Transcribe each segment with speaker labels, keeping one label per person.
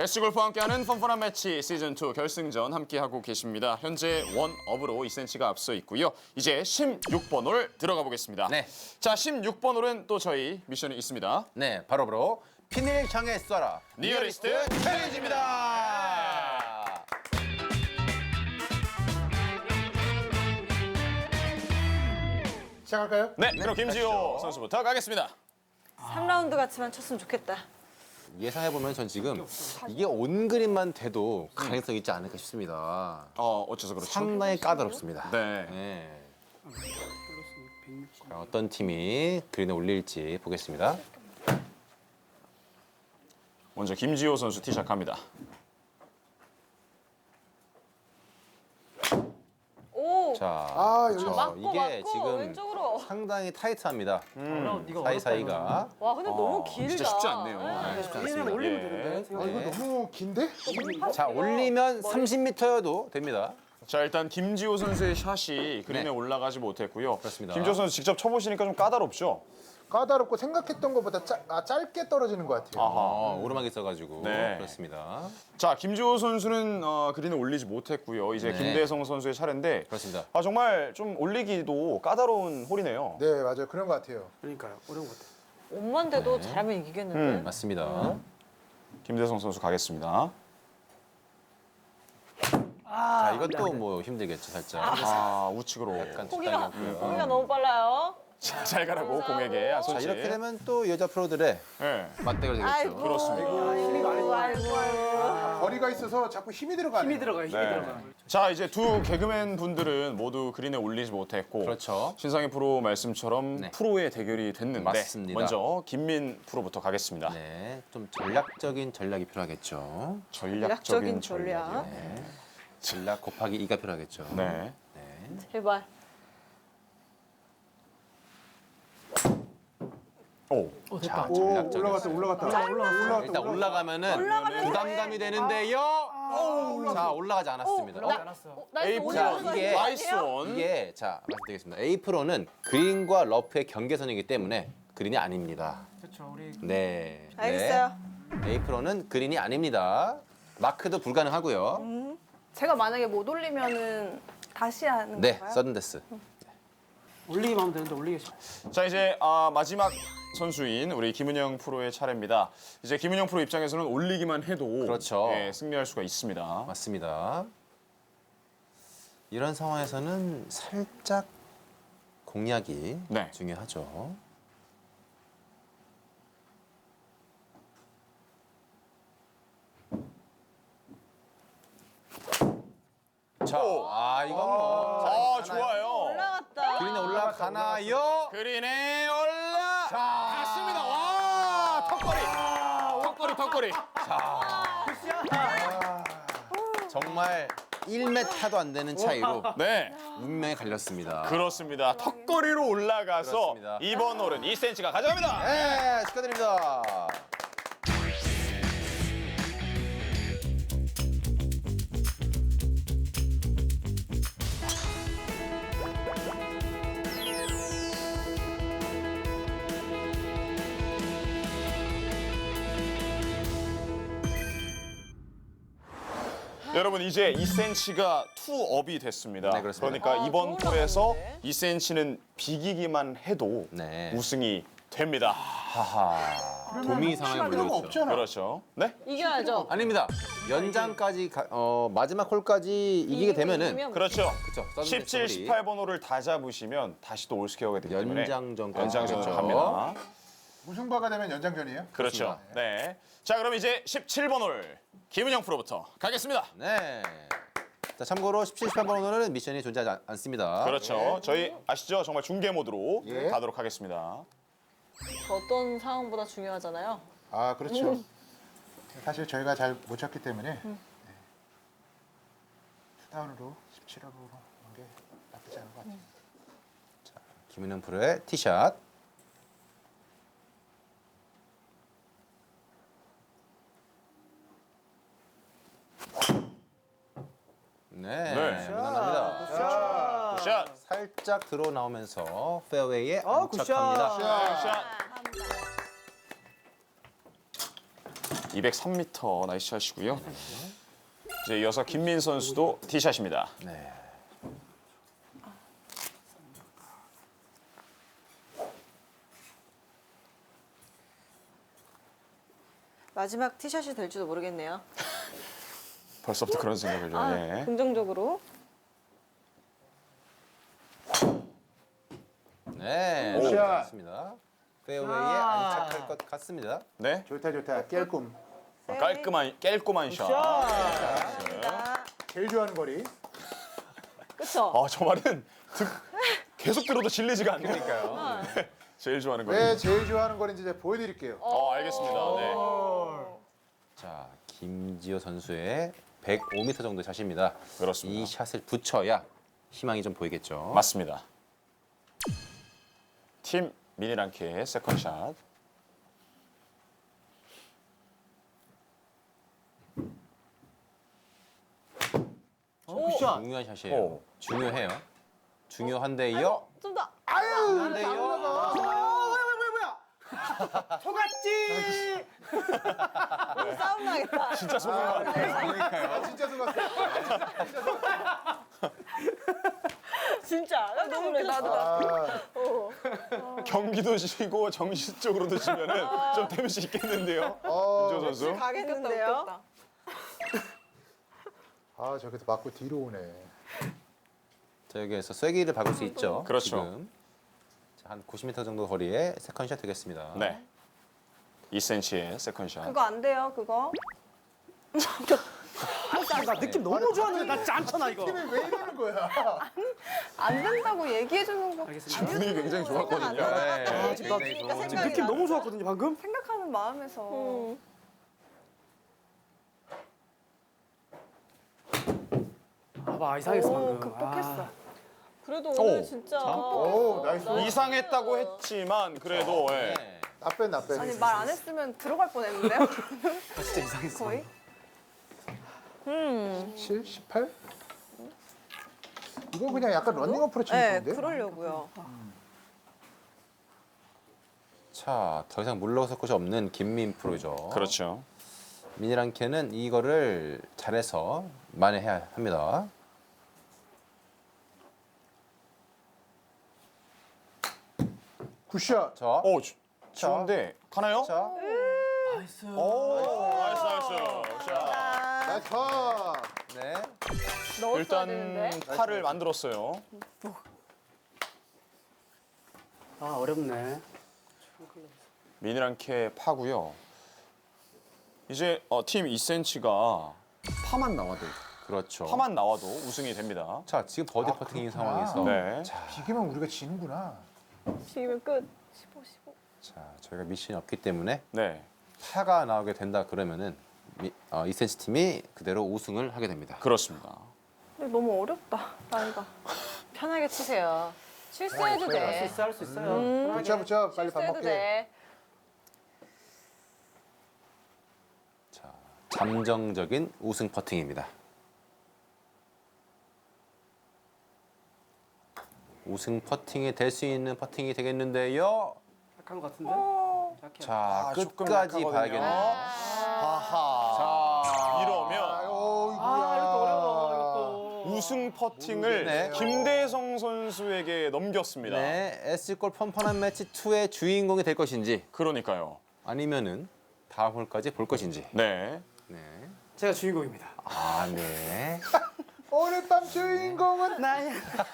Speaker 1: 배치골프와 함께하는 펀펀한 매치 시즌2 결승전 함께하고 계십니다. 현재 원업으로 2cm가 앞서 있고요. 이제 16번 홀 들어가 보겠습니다.
Speaker 2: 네.
Speaker 1: 자, 16번 홀은 또 저희 미션이 있습니다.
Speaker 2: 네, 바로 핀을 향해 쏴라.
Speaker 1: 니어리스트
Speaker 2: 챌린지입니다.
Speaker 3: 시작할까요?
Speaker 1: 네, 그럼 김지호 선수부터 가겠습니다.
Speaker 4: 3라운드 같이만 쳤으면 좋겠다.
Speaker 2: 예상해보면 전 지금 이게 온 그림만 돼도 가능성이 있지 않을까 싶습니다.
Speaker 1: 어째서 그렇죠?
Speaker 2: 상당히 까다롭습니다.
Speaker 1: 네.
Speaker 2: 네. 자, 어떤 팀이 그린에 올릴지 보겠습니다.
Speaker 1: 먼저 김지호 선수 티샷 갑니다.
Speaker 4: 오!
Speaker 2: 자,
Speaker 3: 여기
Speaker 4: 맞고
Speaker 2: 이게
Speaker 4: 맞고
Speaker 2: 지금
Speaker 4: 왼쪽으로.
Speaker 2: 상당히 타이트합니다. 사이사이가.
Speaker 4: 와 근데 너무 길다.
Speaker 1: 진짜 쉽지 않네요.
Speaker 4: 네.
Speaker 2: 쉽지 않습니다.
Speaker 1: 예.
Speaker 3: 아, 이거 너무 긴데?
Speaker 2: 자, 올리면 30m여도 됩니다.
Speaker 1: 자, 일단 김지호 선수의 샷이 그린에
Speaker 2: 네.
Speaker 1: 올라가지 못했고요.
Speaker 2: 그렇습니다.
Speaker 1: 김지호 선수 직접 쳐보시니까 좀 까다롭죠?
Speaker 3: 까다롭고 생각했던 것보다 짧게 떨어지는 것 같아요.
Speaker 2: 오르막이 있어가지고
Speaker 1: 네.
Speaker 2: 그렇습니다.
Speaker 1: 자, 김지호 선수는 그린에 올리지 못했고요. 이제
Speaker 2: 네.
Speaker 1: 김대성 선수의 차례인데
Speaker 2: 그렇습니다.
Speaker 1: 정말 좀 올리기도 까다로운 홀이네요.
Speaker 3: 네, 맞아요. 그런 것 같아요.
Speaker 5: 그러니까요. 어려운 것 같아요.
Speaker 4: 옷만 돼도 잘하면 이기겠는데.
Speaker 2: 맞습니다.
Speaker 1: 김대성 선수 가겠습니다.
Speaker 2: 자, 이것도 뭐 힘들겠죠, 살짝.
Speaker 1: 우측으로.
Speaker 2: 약간
Speaker 4: 포기가
Speaker 2: 적당히였고요.
Speaker 4: 너무 빨라요.
Speaker 1: 자, 잘 가라고 공에게
Speaker 2: 자,
Speaker 1: 손짓.
Speaker 2: 이렇게 되면 또 여자 프로들의
Speaker 1: 네.
Speaker 2: 맞대결 되겠죠.
Speaker 4: 아이고.
Speaker 1: 그렇습니다.
Speaker 4: 아이고.
Speaker 3: 거리가 있어서 자꾸 힘이 들어가네요.
Speaker 5: 힘이 들어가요. 힘이 들어가요.
Speaker 1: 자, 이제 두 개그맨 분들은 모두 그린에 올리지 못했고
Speaker 2: 그렇죠.
Speaker 1: 신상희 프로 말씀처럼
Speaker 2: 네.
Speaker 1: 프로의 대결이 됐는데
Speaker 2: 맞습니다.
Speaker 1: 먼저 김민 프로부터 가겠습니다.
Speaker 2: 네, 좀 전략적인 전략이 필요하겠죠.
Speaker 1: 전략적인
Speaker 4: 전략.
Speaker 1: 전략이요.
Speaker 2: 네. 전략 곱하기 2가 필요하겠죠.
Speaker 1: 네.
Speaker 2: 네.
Speaker 4: 제발.
Speaker 1: 오.
Speaker 2: 자,
Speaker 3: 오,
Speaker 2: 전략적인.
Speaker 3: 올라갔다.
Speaker 2: 일단 올라가면은 부담감이 되는데요. 자, 올라가지 않았습니다.
Speaker 4: 나이스
Speaker 1: 에이,
Speaker 4: 오늘
Speaker 2: 자,
Speaker 4: 오늘
Speaker 2: 이게-
Speaker 1: 나이스 온.
Speaker 2: 이게 자, 말씀드리겠습니다. A 프로는 그린과 러프의 경계선이기 때문에 그린이 아닙니다.
Speaker 5: 그렇죠. 우리
Speaker 2: 네.
Speaker 4: 알겠어요.
Speaker 2: 네. A 프로는 그린이 아닙니다. 마크도 불가능하고요.
Speaker 6: 제가 만약에 못 올리면은 다시 하는
Speaker 2: 네,
Speaker 6: 건가요?
Speaker 2: 서든데스.
Speaker 5: 올리기만 하면 되는데 올리기 쉽.
Speaker 1: 자, 이제 마지막 선수인 우리 김은영 프로의 차례입니다. 이제 김은영 프로 입장에서는 올리기만 해도
Speaker 2: 그렇죠.
Speaker 1: 예, 승리할 수가 있습니다.
Speaker 2: 맞습니다. 이런 상황에서는 살짝 공략이
Speaker 1: 네.
Speaker 2: 중요하죠. 자, 이건 뭐.
Speaker 1: 좋아요.
Speaker 4: 올라갔다.
Speaker 2: 그린에 올라가나요?
Speaker 1: 그린에 올라갔습니다. 와, 턱걸이.
Speaker 2: 정말 1m도 안 되는 차이로
Speaker 1: 네,
Speaker 2: 운명이 갈렸습니다.
Speaker 1: 그렇습니다. 턱걸이로 올라가서
Speaker 2: 그렇습니다.
Speaker 1: 이번 홀은 2cm가 가져갑니다.
Speaker 2: 네, 축하드립니다.
Speaker 1: 여러분, 이제 2cm가 투업이 됐습니다.
Speaker 2: 네, 그렇습니다.
Speaker 1: 그러니까 이번
Speaker 4: 또
Speaker 1: 홀에서
Speaker 4: 올라갔는데?
Speaker 1: 2cm는 비기기만 해도
Speaker 2: 네.
Speaker 1: 우승이 됩니다.
Speaker 2: 하하. 도미 상황에
Speaker 3: 필요가
Speaker 2: 몰렸죠.
Speaker 3: 없잖아.
Speaker 1: 그렇죠. 네?
Speaker 4: 이겨야죠.
Speaker 2: 아닙니다. 연장까지 마지막 홀까지 이기게 되면은
Speaker 4: 이기면
Speaker 1: 그렇죠.
Speaker 2: 그렇죠.
Speaker 1: 17, 18번 홀을 다 잡으시면 다시 또 올스퀘어가 되기 때문에
Speaker 2: 연장전까지
Speaker 1: 연장전으로
Speaker 2: 그렇죠.
Speaker 1: 갑니다.
Speaker 3: 무승부가 되면 연장전이에요?
Speaker 1: 그렇죠. 네. 자, 그럼 이제 17번 홀 김은영 프로부터 가겠습니다.
Speaker 2: 네. 자, 참고로 17, 18번 오늘은 미션이 존재하지 않습니다.
Speaker 1: 그렇죠. 저희 아시죠? 정말 중계 모드로
Speaker 3: 예.
Speaker 1: 가도록 하겠습니다.
Speaker 4: 어떤 상황보다 중요하잖아요.
Speaker 3: 아, 그렇죠. 사실 저희가 잘 못 쳤기 때문에 투다운으로 17호로 오는 게 나쁘지 않은 것 같아요.
Speaker 2: 김은영 프로의 티샷. 네,
Speaker 1: 네.
Speaker 2: 무난합니다.
Speaker 1: 굿샷.
Speaker 2: 살짝 들어 나오면서 페어웨이에
Speaker 5: 굿샷.
Speaker 2: 안착합니다.
Speaker 1: 굿샷. 203m 나이스 샷이고요. 이제 이어서 김민 선수도 티샷입니다.
Speaker 2: 네.
Speaker 4: 마지막 티샷이 될지도 모르겠네요.
Speaker 1: 벌써부터 그런 생각을 좀.
Speaker 4: 아,
Speaker 1: 예.
Speaker 4: 긍정적으로.
Speaker 2: 네.
Speaker 3: 오.
Speaker 2: 좋습니다. 페어웨이에 안착할 것 같습니다.
Speaker 1: 네.
Speaker 3: 좋다 좋다. 깰꿈.
Speaker 1: 깔끔한 샷.
Speaker 3: 제일 좋아하는 거리.
Speaker 4: 그쵸?
Speaker 1: 저 말은 계속 들어도 질리지가 않으니까요. 네. 제일 좋아하는 거예요.
Speaker 3: 왜 제일 좋아하는 거리인지 제가 보여드릴게요.
Speaker 1: 알겠습니다. 네.
Speaker 2: 자, 김지호 선수의 105m 정도 샷입니다.
Speaker 1: 그렇습니다.
Speaker 2: 이 샷을 붙여야 희망이 좀 보이겠죠.
Speaker 1: 맞습니다. 팀 미니랑키의 세컨샷.
Speaker 5: 굿샷.
Speaker 2: 중요한 샷이에요.
Speaker 1: 오.
Speaker 2: 중요해요. 중요한데요.
Speaker 4: 좀 더.
Speaker 2: 한데요.
Speaker 5: 속았지.
Speaker 4: 싸움 나겠다.
Speaker 1: 진짜 소중한.
Speaker 3: 아, 진짜 속았어.
Speaker 4: 진짜. 깜짝 놀랐어.
Speaker 3: 아,
Speaker 1: 경기도 지고 정신적으로도 지면은 좀 데미지 있겠는데요.
Speaker 3: 어,
Speaker 1: 김지호 선수.
Speaker 4: 가겠는데요?
Speaker 3: 아 저기서 맞고 뒤로 오네.
Speaker 2: 자, 여기에서 쐐기를 박을 수 있죠.
Speaker 1: 그렇죠.
Speaker 2: 지금. 자, 한 90m 정도 거리에 세컨샷 되겠습니다.
Speaker 1: 네. 2cm의 세컨샷.
Speaker 6: 그거 안 돼요, 그거.
Speaker 5: 나 느낌 너무 좋았는데 나 짠잖아 이거.
Speaker 3: 팀이 왜 이러는 거야?
Speaker 6: 안 된다고 얘기해주는 거.
Speaker 5: 알겠습니다.
Speaker 1: 분위기 굉장히 좋았거든요.
Speaker 2: 네,
Speaker 5: 지금
Speaker 2: 굉장히
Speaker 4: 그러니까
Speaker 2: 좋은
Speaker 5: 지금 느낌 너무 좋았거든요 방금.
Speaker 6: 생각하는 마음에서.
Speaker 5: 아봐 이상했어
Speaker 6: 오,
Speaker 5: 방금.
Speaker 6: 극복했어.
Speaker 4: 그래도 오늘
Speaker 1: 오.
Speaker 4: 진짜.
Speaker 3: 오 나이스.
Speaker 1: 이상했다고 했지만 그래도 예.
Speaker 2: 네.
Speaker 3: 나빼 나빼.
Speaker 6: 아니 말 안 했으면 들어갈 뻔했는데요.
Speaker 5: 아, 진짜 이상했어.
Speaker 6: 거의.
Speaker 3: 7, 18? 이거 그냥 약간 런닝 어프로치
Speaker 4: 네,
Speaker 3: 느낌인데?
Speaker 4: 그러려고요.
Speaker 2: 자, 더 이상 물러설 곳이 없는 김민 프로죠.
Speaker 1: 그렇죠.
Speaker 2: 미니랑케는 이거를 잘해서 만회해야 합니다.
Speaker 3: 굿샷.
Speaker 2: 자,
Speaker 1: 좋은데 가나요?
Speaker 2: 자,
Speaker 5: 나이스.
Speaker 1: 오, 나이스. 자,
Speaker 3: 나이스 파.
Speaker 2: 네.
Speaker 4: 넣었어야
Speaker 1: 일단
Speaker 4: 되는데.
Speaker 1: 팔을 만들었어요.
Speaker 5: 아 어렵네.
Speaker 1: 미니랑케 파고요. 이제 팀 2cm가 파만 나와도
Speaker 2: 그렇죠.
Speaker 1: 우승이 됩니다.
Speaker 2: 자, 지금 버디
Speaker 3: 아,
Speaker 2: 퍼팅인
Speaker 3: 그렇구나.
Speaker 2: 상황에서
Speaker 1: 네.
Speaker 3: 비기면 우리가 지는구나.
Speaker 4: 지금 끝.
Speaker 6: 15, 15.
Speaker 2: 자, 저희가 미션이 없기 때문에
Speaker 1: 네.
Speaker 2: 파가 나오게 된다 그러면은 2cm 팀이 그대로 우승을 하게 됩니다.
Speaker 1: 그렇습니다.
Speaker 6: 근데 너무 어렵다, 나이가.
Speaker 4: 편하게 치세요. 실수해도
Speaker 3: 아,
Speaker 4: 돼.
Speaker 5: 할 수 있어 할 수 있어요.
Speaker 3: 붙여 붙여 빨리 밥
Speaker 4: 실수해도
Speaker 3: 먹게.
Speaker 4: 돼.
Speaker 2: 자, 잠정적인 우승 퍼팅입니다. 우승 퍼팅이 될 수 있는 퍼팅이 되겠는데요.
Speaker 5: 약한 것 같은데. 약해.
Speaker 2: 자,
Speaker 1: 조금
Speaker 2: 끝까지
Speaker 1: 약하거든요.
Speaker 2: 봐야겠네요.
Speaker 1: 하하. 이러면
Speaker 5: 아 이것도 어려워 이것도.
Speaker 1: 우승 퍼팅을
Speaker 2: 네.
Speaker 1: 김대성 선수에게 넘겼습니다.
Speaker 2: 네, S골 펀펀한 매치 2의 주인공이 될 것인지
Speaker 1: 그러니까요.
Speaker 2: 아니면은 다음 홀까지 볼 것인지.
Speaker 1: 네.
Speaker 2: 네.
Speaker 5: 제가 주인공입니다.
Speaker 2: 아, 네.
Speaker 3: 오늘 밤 주인공은
Speaker 5: 나야.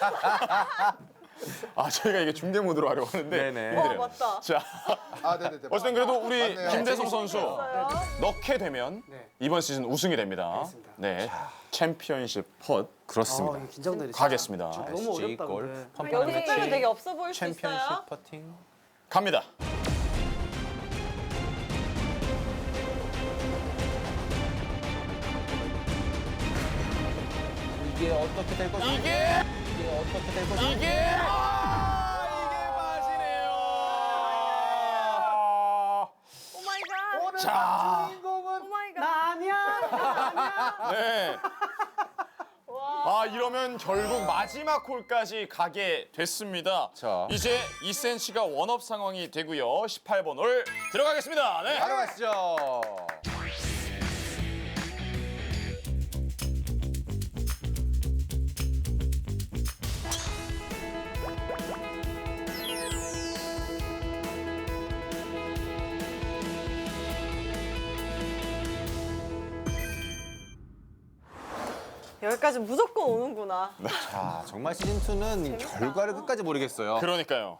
Speaker 1: 저희가 이게 중계 모드로 하려고 하는데
Speaker 2: 네네.
Speaker 1: 힘드네요.
Speaker 4: 맞다.
Speaker 1: 자,
Speaker 3: 아 네네네.
Speaker 1: 어쨌든 그래도 우리
Speaker 3: 맞네요.
Speaker 1: 김대성 선수 넣게 되면
Speaker 5: 네.
Speaker 1: 이번 시즌 우승이 됩니다.
Speaker 5: 알겠습니다.
Speaker 1: 네. 챔피언십 펫
Speaker 2: 그렇습니다.
Speaker 5: 이거 긴장되네.
Speaker 1: 가겠습니다.
Speaker 5: 너무 어렵다
Speaker 2: S골
Speaker 5: 근데.
Speaker 2: 펀펀한
Speaker 4: 여기 색깔은 되게
Speaker 2: 매치
Speaker 4: 없어 보일 수 있어요.
Speaker 2: 챔피언십 퍼팅.
Speaker 1: 갑니다.
Speaker 2: 이게 어떻게 될 것인지.
Speaker 1: 이게
Speaker 2: 어떻게 될 것인지.
Speaker 1: 이게 맞이네요.
Speaker 6: 오 마이 갓.
Speaker 3: 오늘
Speaker 1: 자.
Speaker 3: 밤 주인공은
Speaker 6: 오 마이 갓.
Speaker 5: 나 아니야.
Speaker 1: 네. 이러면 결국 마지막 홀까지 가게 됐습니다.
Speaker 2: 자.
Speaker 1: 이제 2cm가 원업 상황이 되고요. 18번 홀 들어가겠습니다. 네.
Speaker 2: 바로 가시죠.
Speaker 4: 여기까지 무조건 오는구나.
Speaker 2: 자, 정말 시즌2는 결과를 끝까지 모르겠어요.
Speaker 1: 그러니까요.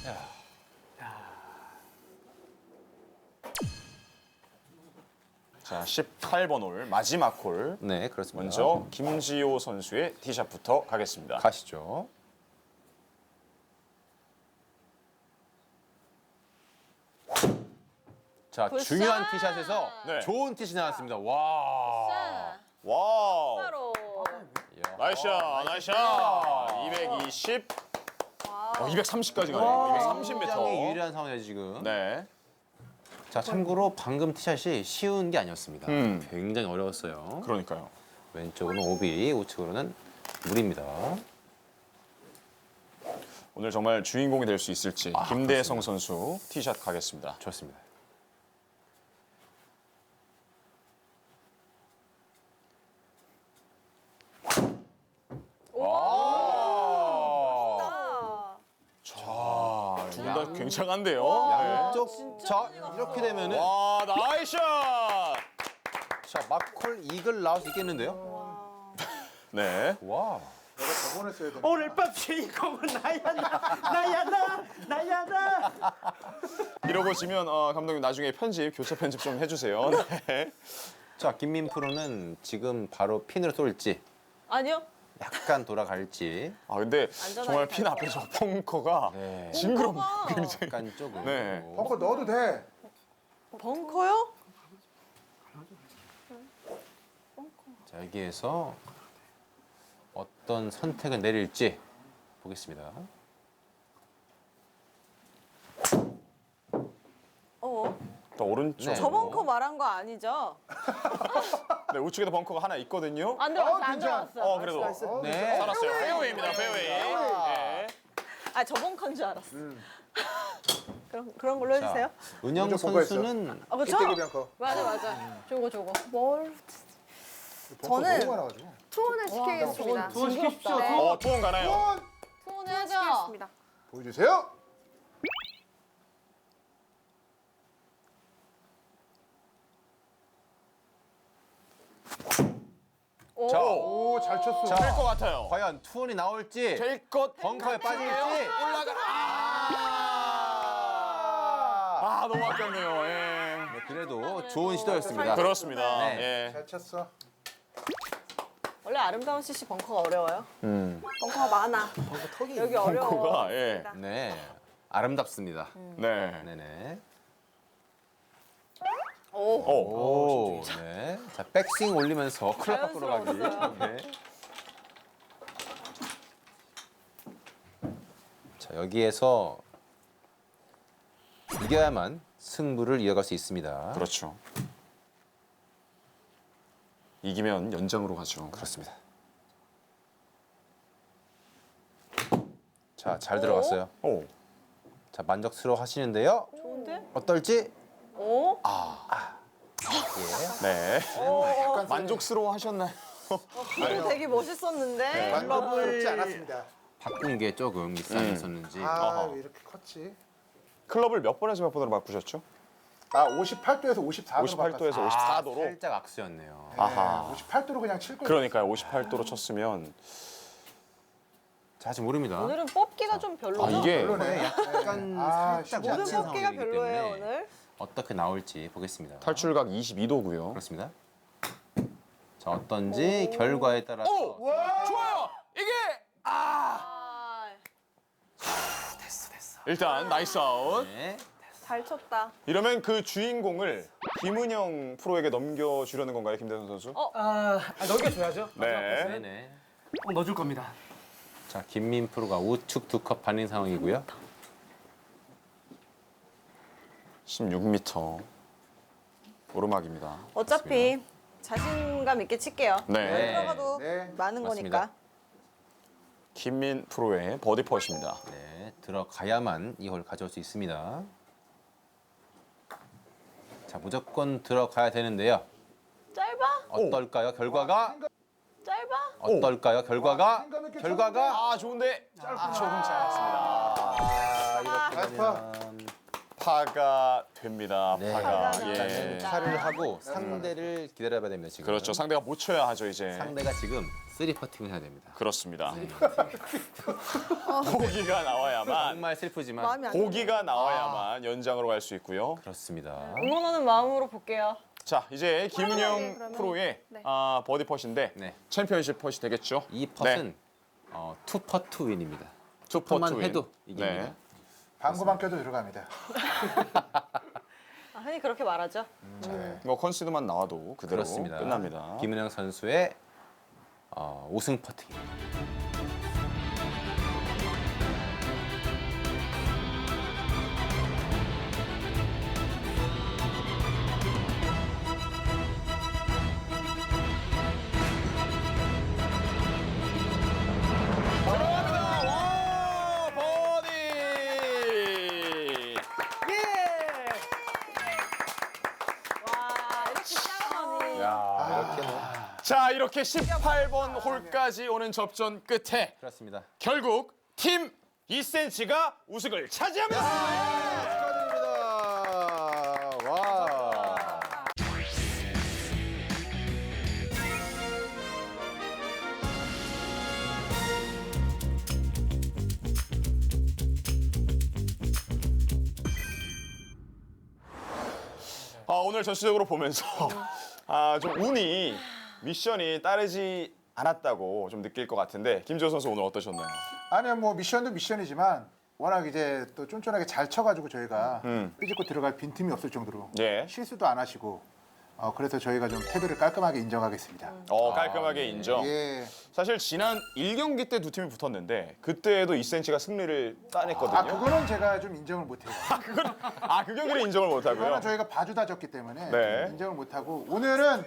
Speaker 1: 자, 18번 홀 마지막 홀.
Speaker 2: 네, 그렇습니다.
Speaker 1: 먼저 김지호 선수의 티샷부터 가겠습니다.
Speaker 2: 가시죠. 자,
Speaker 4: 굿샷!
Speaker 2: 중요한 티샷에서
Speaker 1: 네.
Speaker 2: 좋은 티샷이 나왔습니다. 와.
Speaker 4: 자,
Speaker 1: 와우.
Speaker 4: 바로.
Speaker 1: 나이스샷, 나이스샷. 220. 230까지 가네요. 230m.
Speaker 2: 굉장히 유리한 상황이에요, 지금.
Speaker 1: 네.
Speaker 2: 자, 참고로 방금 티샷이 쉬운 게 아니었습니다. 굉장히 어려웠어요.
Speaker 1: 그러니까요.
Speaker 2: 왼쪽으로는 오비, 우측으로는 물입니다.
Speaker 1: 오늘 정말 주인공이 될 수 있을지 김대성 선수 티샷 가겠습니다.
Speaker 2: 좋습니다.
Speaker 1: 둘 다 굉장한데요.
Speaker 2: 양쪽. 자, 이렇게 되면은
Speaker 1: 와, 나이스샷.
Speaker 2: 자, 마콜 이글 나올 수 있겠는데요?
Speaker 1: 네.
Speaker 2: 와.
Speaker 3: 내가 저번에 써야 되는
Speaker 5: 오늘 밤 주인공은 나야 나.
Speaker 1: 이러고 지면 감독님 나중에 편집, 교체 편집 좀 해주세요. 네.
Speaker 2: 자, 김민 프로는 지금 바로 핀으로 쏠지
Speaker 4: 아니요.
Speaker 2: 약간 돌아갈지
Speaker 1: 근데
Speaker 4: 안전하게
Speaker 1: 정말 핀
Speaker 4: 가야죠.
Speaker 1: 앞에서 펑커가
Speaker 2: 네.
Speaker 1: 징그럽. 굉장히.
Speaker 2: 약간 조금
Speaker 1: 네.
Speaker 3: 벙커 넣어도 돼.
Speaker 4: 벙커요?
Speaker 2: 자, 여기에서 어떤 선택을 내릴지 보겠습니다.
Speaker 1: 또 오른쪽.
Speaker 2: 네.
Speaker 4: 저 벙커 말한 거 아니죠?
Speaker 1: 네, 우측에도 벙커가 하나 있거든요.
Speaker 4: 안 들어왔어, 안
Speaker 3: 괜찮아.
Speaker 4: 들어왔어.
Speaker 1: 그래도
Speaker 2: 네.
Speaker 1: 살았어요. 페어웨이입니다. 페어웨이. 네.
Speaker 4: 아, 저 벙커인 줄 알았어. 그런 걸로 해주세요.
Speaker 2: 은영
Speaker 3: 먼저 보고
Speaker 2: 선수는
Speaker 4: 그쵸?
Speaker 3: 끼떼기 벙커.
Speaker 4: 맞아. 저거.
Speaker 6: 뭘
Speaker 3: 벙커
Speaker 6: 저는-
Speaker 3: 너무 많아가지고.
Speaker 6: 투혼을 시키겠습니다.
Speaker 5: 투혼 시키십시오.
Speaker 4: 징그럽다.
Speaker 1: 투혼 가나요?
Speaker 4: 투혼을 하죠.
Speaker 6: 시키겠습니다.
Speaker 3: 보여주세요.
Speaker 2: 자,
Speaker 3: 오, 잘 쳤어.
Speaker 2: 자,
Speaker 1: 될 것 같아요.
Speaker 2: 과연 투혼이 나올지
Speaker 1: 될 것.
Speaker 2: 벙커에 빠질지
Speaker 1: 너무 아깝네요. 예.
Speaker 2: 네, 그래도 좋은 시도였습니다.
Speaker 1: 그렇습니다.
Speaker 2: 네.
Speaker 1: 예.
Speaker 3: 잘 쳤어.
Speaker 4: 원래 아름다운 CC 벙커가 어려워요.
Speaker 6: 벙커가 많아.
Speaker 4: 여기 어려워.
Speaker 1: 벙커가 예.
Speaker 2: 네, 아름답습니다.
Speaker 1: 네.
Speaker 2: 네네.
Speaker 1: 오.
Speaker 2: 오, 네. 자, 백스윙 올리면서 클럽 밖으로 가기.
Speaker 4: 자연스러웠어요.
Speaker 2: 네. 자, 여기에서 이겨야만 승부를 이어갈 수 있습니다.
Speaker 1: 그렇죠. 이기면 연장으로 가죠.
Speaker 2: 그렇습니다. 자, 잘 들어갔어요.
Speaker 1: 오.
Speaker 2: 자, 만족스러워 하시는데요.
Speaker 4: 좋은데?
Speaker 2: 어떨지?
Speaker 4: 오?
Speaker 2: 예.
Speaker 1: 네.
Speaker 3: 약간
Speaker 1: 만족스러워 하셨나요?
Speaker 4: 이거 되게 멋있었는데.
Speaker 3: 만족스럽지 않았습니다.
Speaker 2: 바꾼 게 조금 미스하셨었는지.
Speaker 3: 아, 왜 이렇게 컸지?
Speaker 1: 클럽을 몇 번에서 몇 번으로 바꾸셨죠?
Speaker 3: 58도에서 54도로
Speaker 1: 58도에서 54도로.
Speaker 2: 살짝 악수였네요.
Speaker 1: 아하.
Speaker 3: 58도로 그냥 칠 거예요.
Speaker 1: 그러니까요. 58도로 쳤으면
Speaker 2: 자, 아직 모릅니다.
Speaker 4: 오늘은 뽑기가 좀 별로죠?
Speaker 1: 이게
Speaker 3: 별로네.
Speaker 2: 약간
Speaker 3: 아,
Speaker 2: 살짝
Speaker 3: 쉽지 않네.
Speaker 2: 우측
Speaker 4: 뽑기가
Speaker 2: 상황이기
Speaker 4: 별로예요,
Speaker 2: 때문에
Speaker 4: 오늘.
Speaker 2: 어떻게 나올지 보겠습니다.
Speaker 1: 탈출각 22도고요.
Speaker 2: 그렇습니다. 자, 어떤지 결과에 따라서
Speaker 1: 좋아요. 이게 일단 나이스 아웃.
Speaker 2: 네.
Speaker 6: 잘 쳤다.
Speaker 1: 이러면 그 주인공을 김은영 프로에게 넘겨주려는 건가요, 김대성 선수?
Speaker 5: 넘겨줘야죠.
Speaker 1: 네.
Speaker 2: 네네.
Speaker 5: 넣어줄 겁니다.
Speaker 2: 자, 김민 프로가 우측 2컵 반인 상황이고요.
Speaker 1: 16m 오르막입니다.
Speaker 4: 어차피 자신감 있게 칠게요.
Speaker 1: 네.
Speaker 4: 들어가도
Speaker 3: 네.
Speaker 4: 많은
Speaker 2: 맞습니다.
Speaker 4: 거니까.
Speaker 1: 김민 프로의 버디 퍼시입니다.
Speaker 2: 네, 들어가야만 이 홀 가져올 수 있습니다. 자, 무조건 들어가야 되는데요.
Speaker 4: 짧아?
Speaker 2: 어떨까요? 결과가
Speaker 4: 짧아?
Speaker 2: 어떨까요? 결과가
Speaker 3: 생각 있게
Speaker 2: 결과가
Speaker 1: 좋은데 조금 짧았습니다.
Speaker 2: 아, 이렇게
Speaker 3: 나이스 파.
Speaker 2: 되면
Speaker 1: 파가 됩니다.
Speaker 2: 네.
Speaker 1: 파가.
Speaker 2: 일단은
Speaker 1: 예.
Speaker 2: 차를 하고 상대를 기다려봐야 됩니다. 지금.
Speaker 1: 그렇죠. 상대가 못 쳐야 하죠 이제.
Speaker 2: 상대가 지금 3퍼팅을 해야 됩니다.
Speaker 1: 그렇습니다. 고기가 나와야만
Speaker 2: 정말 슬프지만
Speaker 6: 마음이 안
Speaker 1: 고기가 나와야만 연장으로 갈 수 있고요.
Speaker 2: 그렇습니다.
Speaker 4: 응원하는 마음으로 볼게요.
Speaker 1: 자 이제 김은영
Speaker 6: 그러면.
Speaker 1: 프로의
Speaker 6: 네.
Speaker 1: 버디 퍼시인데
Speaker 2: 네.
Speaker 1: 챔피언십 퍼시 되겠죠?
Speaker 2: 이 펫은 투퍼투 윈입니다.
Speaker 1: 투
Speaker 2: 퍼만
Speaker 1: 퍼트 윈.
Speaker 2: 해도 이깁니다.
Speaker 1: 네.
Speaker 3: 방구만 껴도 들어갑니다.
Speaker 4: 흔히 그렇게 말하죠.
Speaker 1: 뭐 컨시드만 나와도 그대로
Speaker 2: 그렇습니다.
Speaker 1: 끝납니다.
Speaker 2: 김은영 선수의 우승 퍼팅입니다.
Speaker 1: 들어갑니다. 와 버디.
Speaker 4: 와 이렇게 짜라니.
Speaker 2: 이렇게 뭐
Speaker 1: 자 이렇게 18번 홀까지 오는 접전 끝에
Speaker 2: 그렇습니다.
Speaker 1: 결국 팀 2cm가 우승을 차지합니다.
Speaker 2: 축하드립니다. 와.
Speaker 1: 오늘 전체적으로 보면서 좀 운이 미션이 따르지 않았다고 좀 느낄 것 같은데 김지호 선수 오늘 어떠셨나요?
Speaker 3: 아니요, 뭐 미션도 미션이지만 워낙 이제 또 쫀쫀하게 잘 쳐가지고 저희가 삐집고 들어갈 빈틈이 없을 정도로
Speaker 1: 예.
Speaker 3: 실수도 안 하시고 그래서 저희가 좀 태도를 깔끔하게 인정하겠습니다.
Speaker 1: 깔끔하게 인정.
Speaker 3: 예.
Speaker 1: 사실 지난 1경기 때 두 팀이 붙었는데 그때도 2cm가 승리를 따냈거든요.
Speaker 3: 그거는 제가 좀 인정을 못해요.
Speaker 1: 그 경기는 인정을 못하고요.
Speaker 3: 그거는 저희가 봐주다 졌기 때문에
Speaker 1: 네.
Speaker 3: 좀 인정을 못하고 오늘은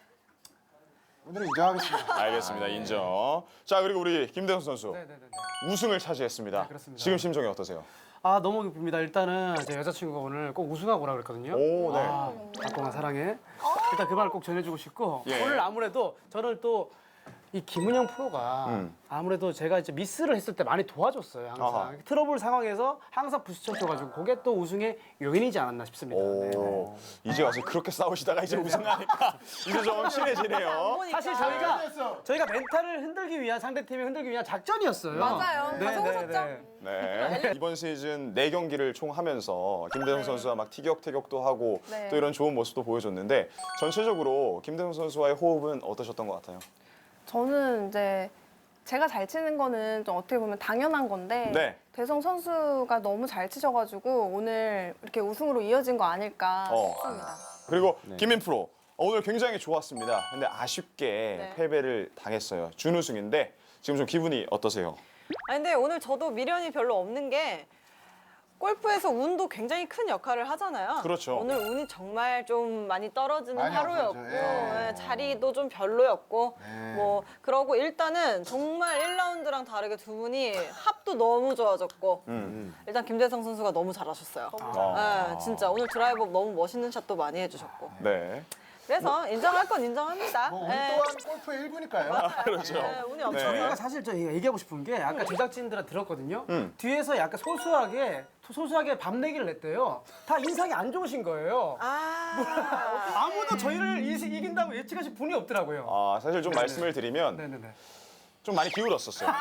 Speaker 3: 인정하겠습니다.
Speaker 1: 알겠습니다. 인정. 자 그리고 우리 김대성 선수
Speaker 5: 네네네.
Speaker 1: 우승을 차지했습니다.
Speaker 5: 그렇습니다.
Speaker 1: 지금 심정이 어떠세요?
Speaker 5: 아 너무 기쁩니다. 일단은 제 여자친구가 오늘 꼭 우승하고 오라 그랬거든요.
Speaker 1: 오, 네.
Speaker 5: 박공아 사랑해. 일단 그 말을 꼭 전해주고 싶고
Speaker 1: 예.
Speaker 5: 오늘 아무래도 저는 또 이 김은영 프로가 아무래도 제가 이제 미스를 했을 때 많이 도와줬어요. 항상
Speaker 1: 아하.
Speaker 5: 트러블 상황에서 항상 부딪혀줘가지고 그게 또 우승의 요인이지 않았나 싶습니다. 네, 네.
Speaker 1: 오, 이제 와서 그렇게 싸우시다가 이제 우승하니까 이제 좀 친해지네요.
Speaker 5: 사실 저희가 멘탈을 흔들기 위한 상대팀을 흔들기 위한 작전이었어요.
Speaker 6: 맞아요.
Speaker 5: 네,
Speaker 6: 다
Speaker 5: 네,
Speaker 6: 속으셨죠?
Speaker 5: 네.
Speaker 1: 네. 이번 시즌 4경기를 총 하면서 김대성 선수와 막 티격태격도 하고
Speaker 6: 네.
Speaker 1: 또 이런 좋은 모습도 보여줬는데 전체적으로 김대성 선수와의 호흡은 어떠셨던 것 같아요?
Speaker 6: 저는 이제 제가 잘 치는 거는 좀 어떻게 보면 당연한 건데
Speaker 1: 네.
Speaker 6: 대성 선수가 너무 잘 치셔가지고 오늘 이렇게 우승으로 이어진 거 아닐까 싶습니다.
Speaker 1: 그리고 김민 프로 오늘 굉장히 좋았습니다. 근데 아쉽게
Speaker 4: 네.
Speaker 1: 패배를 당했어요. 준우승인데 지금 좀 기분이 어떠세요?
Speaker 4: 근데 오늘 저도 미련이 별로 없는 게 골프에서 운도 굉장히 큰 역할을 하잖아요.
Speaker 1: 그렇죠.
Speaker 4: 오늘 운이 정말 좀 많이 떨어지는
Speaker 3: 많이
Speaker 4: 하루였고
Speaker 3: 없었죠. 예.
Speaker 4: 예, 자리도 좀 별로였고
Speaker 3: 네.
Speaker 4: 뭐 그러고 일단은 정말 1라운드랑 다르게 두 분이 합도 너무 좋아졌고 일단 김대성 선수가 너무 잘하셨어요. 예, 진짜 오늘 드라이버 너무 멋있는 샷도 많이 해주셨고
Speaker 1: 네.
Speaker 4: 그래서 인정할 건 인정합니다.
Speaker 3: 뭐 우리
Speaker 4: 예.
Speaker 3: 또한 골프의 1부니까요.
Speaker 1: 그렇죠.
Speaker 4: 예, 운이 엄청
Speaker 1: 네.
Speaker 5: 저희가 사실 저 얘기하고 싶은 게 아까 제작진들한테 들었거든요. 뒤에서 약간 소소하게 밤내기를 냈대요. 다 인상이 안 좋으신 거예요. 아무도 저희를 이긴다고 예측하신 분이 없더라고요.
Speaker 1: 사실 좀 말씀을 드리면
Speaker 5: 네네네.
Speaker 1: 좀 많이 기울었었어요.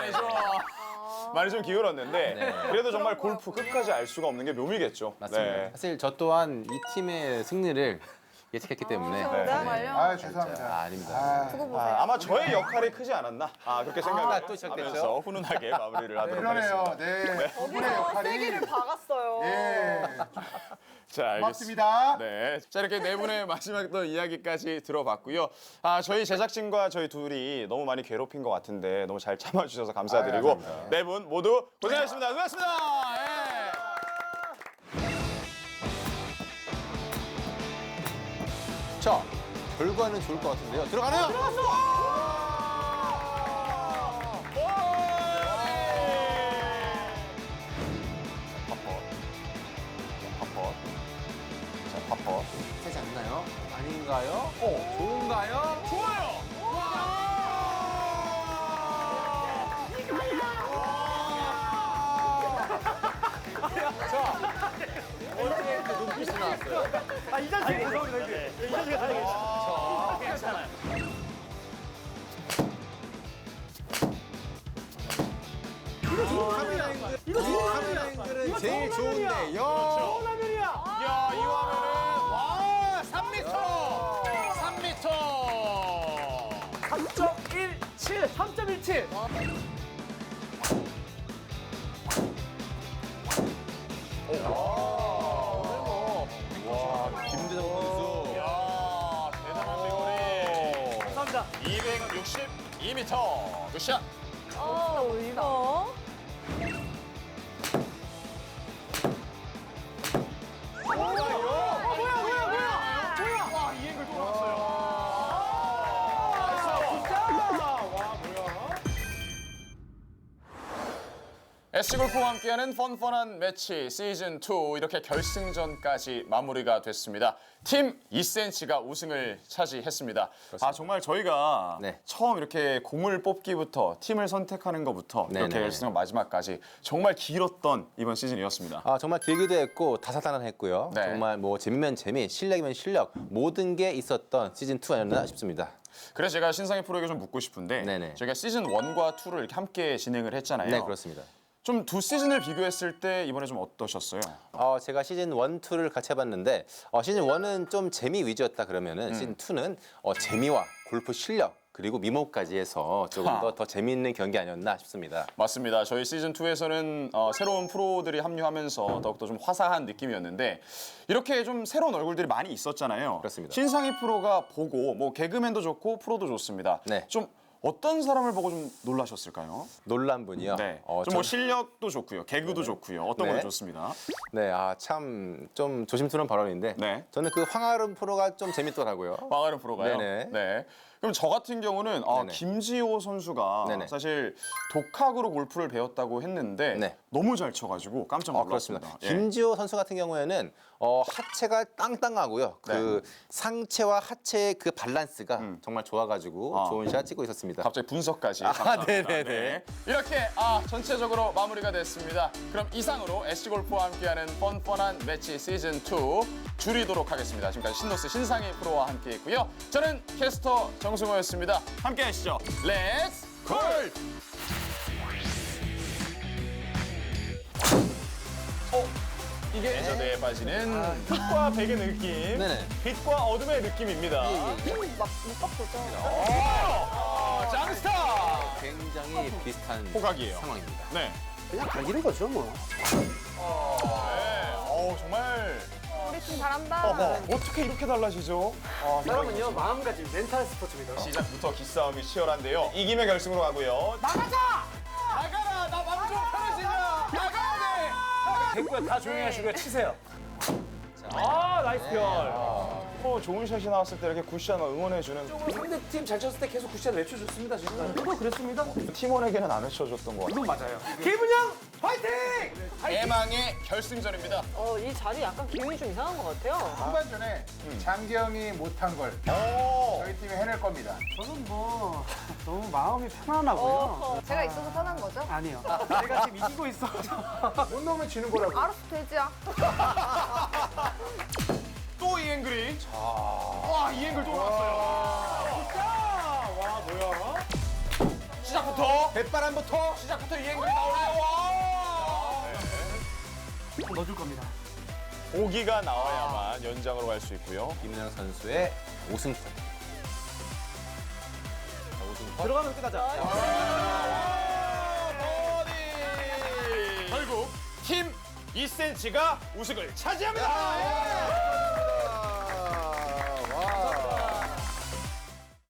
Speaker 1: 많이 좀 기울었는데 그래도 정말 골프 끝까지 알 수가 없는 게 묘미겠죠.
Speaker 2: 맞습니다.
Speaker 1: 네.
Speaker 2: 사실 저 또한 이 팀의 승리를 예측했기 때문에
Speaker 6: 정말요?
Speaker 3: 죄송합니다.
Speaker 2: 아닙니다.
Speaker 6: 두고 보세요.
Speaker 1: 아마 저의 역할이 크지 않았나 그렇게
Speaker 2: 또
Speaker 1: 생각하면서
Speaker 2: 시작됐죠?
Speaker 1: 훈훈하게 마무리를 하도록
Speaker 3: 그러네요.
Speaker 1: 하겠습니다.
Speaker 3: 네. 두 분의
Speaker 4: 거기서
Speaker 3: 역할이
Speaker 4: 세기를 박았어요.
Speaker 3: 예.
Speaker 1: 자, 알겠습니다.
Speaker 3: 고맙습니다.
Speaker 1: 네. 자, 이렇게 네 분의 마지막 또 이야기까지 들어봤고요. 저희 제작진과 저희 둘이 너무 많이 괴롭힌 것 같은데 너무 잘 참아주셔서 감사드리고
Speaker 3: 감사합니다.
Speaker 1: 네 분 모두 고생하셨습니다. 수고하셨습니다. 예.
Speaker 2: 자, 결과는 좋을 것 같은데요. 들어가네요.
Speaker 1: 파퍼.
Speaker 2: 세지 않나요? 아닌가요? 좋은가요?
Speaker 1: 좋아요.
Speaker 5: 이 자식 죄송합니다. 이 자식이 가야겠어.
Speaker 1: 괜찮아요.
Speaker 2: 카메라인들은 제일 좋은데 요.
Speaker 5: 라면이야.
Speaker 1: 야, 이 화면은 와, 3m! 3m!
Speaker 5: 3.17. 3.17.
Speaker 2: 김대성 선수.
Speaker 1: 야, 대단한 비거리.
Speaker 5: 감사합니다.
Speaker 1: 262m. 굿샷.
Speaker 4: 이거.
Speaker 1: 와, 이 앵글 또 나왔어요. SC골프와 함께하는 펀펀한 매치 시즌2 이렇게 결승전까지 마무리가 됐습니다. 팀 2cm가 우승을 차지했습니다. 아 정말 저희가
Speaker 2: 네.
Speaker 1: 처음 이렇게 공을 뽑기부터 팀을 선택하는 것부터 이렇게
Speaker 2: 네네.
Speaker 1: 결승전 마지막까지 정말 길었던 이번 시즌이었습니다.
Speaker 2: 아, 정말 길기도 했고 다사다난했고요.
Speaker 1: 네.
Speaker 2: 정말 뭐 재미면 재미, 실력이면 실력 모든 게 있었던 시즌 2 아니었나 싶습니다.
Speaker 1: 그래서 제가 신상희 프로에게 좀 묻고 싶은데
Speaker 2: 네네.
Speaker 1: 저희가 시즌 1과 2를 이렇게 함께 진행을 했잖아요.
Speaker 2: 네, 그렇습니다.
Speaker 1: 좀 두 시즌을 비교했을 때 이번에 좀 어떠셨어요?
Speaker 2: 제가 시즌 1, 2를 같이 해봤는데 시즌 1은 좀 재미 위주였다 그러면은 시즌 2는 재미와 골프 실력 그리고 미모까지 해서 조금 더 재미있는 경기 아니었나 싶습니다.
Speaker 1: 맞습니다. 저희 시즌 2에서는 새로운 프로들이 합류하면서 더욱더 좀 화사한 느낌이었는데 이렇게 좀 새로운 얼굴들이 많이 있었잖아요.
Speaker 2: 그렇습니다.
Speaker 1: 신상희 프로가 보고 뭐 개그맨도 좋고 프로도 좋습니다.
Speaker 2: 네.
Speaker 1: 좀 어떤 사람을 보고 좀 놀라셨을까요?
Speaker 2: 놀란 분이요.
Speaker 1: 네.
Speaker 2: 전-
Speaker 1: 좀 뭐 실력도 좋고요, 개그도 좋고요. 어떤
Speaker 2: 네.
Speaker 1: 건 좋습니다.
Speaker 2: 네, 참 좀 조심스러운 발언인데
Speaker 1: 네.
Speaker 2: 저는 그 황아름 프로가 좀 재밌더라고요.
Speaker 1: 황아름 프로가요.
Speaker 2: 네네.
Speaker 1: 네. 그럼 저 같은 경우는
Speaker 2: 네네.
Speaker 1: 김지호 선수가
Speaker 2: 네네.
Speaker 1: 사실 독학으로 골프를 배웠다고 했는데
Speaker 2: 네.
Speaker 1: 너무 잘 쳐가지고 깜짝 놀랐습니다.
Speaker 2: 그렇습니다.
Speaker 1: 예.
Speaker 2: 김지호 선수 같은 경우에는 하체가 땅땅하고요. 그 상체와 하체의 그 밸런스가 정말 좋아가지고 좋은 샷 찍고 있었습니다.
Speaker 1: 갑자기 분석까지. 감사합니다.
Speaker 2: 네네네.
Speaker 1: 네. 이렇게 전체적으로 마무리가 됐습니다. 그럼 이상으로 SC골프와 함께하는 뻔뻔한 매치 시즌2 줄이도록 하겠습니다. 지금까지 신노스 신상희 프로와 함께했고요. 저는 캐스터 정승호였습니다. 함께 하시죠. 렛츠 골! 이게 레저드에 빠지는 흙과 백의 느낌,
Speaker 2: 네네.
Speaker 1: 빛과 어둠의 느낌입니다.
Speaker 4: 막 묶어보죠.
Speaker 1: 짱스타!
Speaker 2: 굉장히 비슷한
Speaker 1: 호각이에요.
Speaker 2: 상황입니다.
Speaker 1: 네.
Speaker 5: 그냥 갈기는 거죠 뭐.
Speaker 1: 네. 정말
Speaker 6: 우리 팀 잘한다.
Speaker 1: 어떻게 이렇게 달라지죠?
Speaker 5: 사람은요 마음가짐 멘탈 스포츠입니다.
Speaker 1: 시작부터 기싸움이 치열한데요. 이기면 결승으로 가고요. 나가라! 나 마음 좀 편해지냐! 나가야 돼!
Speaker 5: 됐고요. 다 조용히 하시고요. 치세요. 아 나이스 별.
Speaker 1: 좋은 샷이 나왔을 때 이렇게 굿샷 응원해주는
Speaker 5: 상대팀 잘 쳤을 때 계속 굿샷 외쳐줬습니다 지금. 저도 그랬습니다.
Speaker 1: 팀원에게는 안 외쳐줬던 것 같아요.
Speaker 5: 이건 맞아요. 김은영 화이팅!
Speaker 1: 대망의 결승전입니다.
Speaker 4: 이 자리 약간 기분이 좀 이상한 것 같아요.
Speaker 3: 후반전에 장기영이 못한 걸
Speaker 1: 오!
Speaker 3: 저희 팀이 해낼 겁니다.
Speaker 5: 저는 뭐 너무 마음이 편안하고요.
Speaker 6: 제가 있어서 편한 거죠?
Speaker 5: 아니요. 제가 지금 이기고 있어.
Speaker 3: 못 넣으면 지는 거라고.
Speaker 6: 알아서 돼지야.
Speaker 1: 또 이 앵글이. 와, 이 앵글 또 나왔어요. 와, 뭐야? 시작부터.
Speaker 3: 백바람부터
Speaker 1: 시작부터 이 앵글이 나오네요. 와!
Speaker 5: 넣어줄 겁니다.
Speaker 1: 보기가 나와야만 연장으로 갈 수 있고요.
Speaker 2: 김은영 선수의 5승.
Speaker 5: 들어가면 끝하자.
Speaker 1: 버디! 결국 팀 2cm가 우승을 차지합니다.